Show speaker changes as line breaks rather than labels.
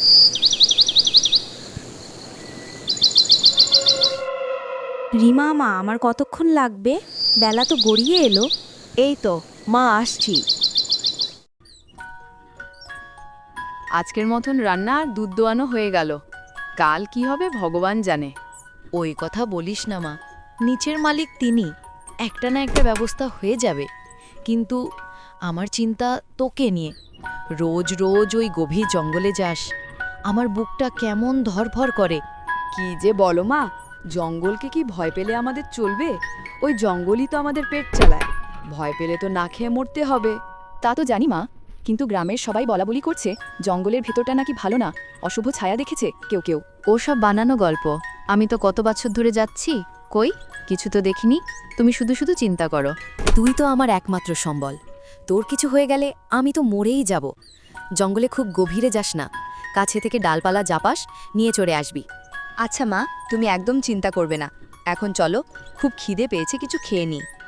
রিমা মা, আমার কতক্ষণ লাগবে? বেলা তো গড়িয়ে এলো।
এই তো মা, আসছি।
আজকের মতন রান্না আর দুধ দোয়ানো হয়ে গেল। কাল কি হবে ভগবান জানে।
ওই কথা বলিস না মা, নিচের মালিক তিনি, একটা না একটা ব্যবস্থা হয়ে যাবে। কিন্তু আমার চিন্তা তোকে নিয়ে। রোজ রোজ ওই গভীর জঙ্গলে যাস, আমার বুকটা কেমন ধরফর করে।
কি যে বলো মা, জঙ্গলকে কি ভয় পেলে আমাদের চলবে? ওই জঙ্গলই তো আমাদের পেট চালায়। ভয় পেলে তো না খেয়ে মরতে হবে।
তা তো জানি মা, কিন্তু গ্রামের সবাই বলাবলি করছে জঙ্গলের ভেতরটা নাকি ভালো না, অশুভ ছায়া দেখেছে কেউ কেউ।
ওসব বানানো গল্প। আমি তো কত বছর ধরে যাচ্ছি, কই কিছু তো দেখিনি। তুমি শুধু শুধু চিন্তা করো। তুই তো আমার একমাত্র সম্বল। তোর কিছু হয়ে গেলে আমি তো মরেই যাব। জঙ্গলে খুব গভীরে যাস না, কাছে থেকে ডালপালা জাপাস নিয়ে চড়ে আসবি।
আচ্ছা মা, তুমি একদম চিন্তা করবে না। এখন চলো, খুব খিদে পেয়েছে, কিছু খেয়ে নিই।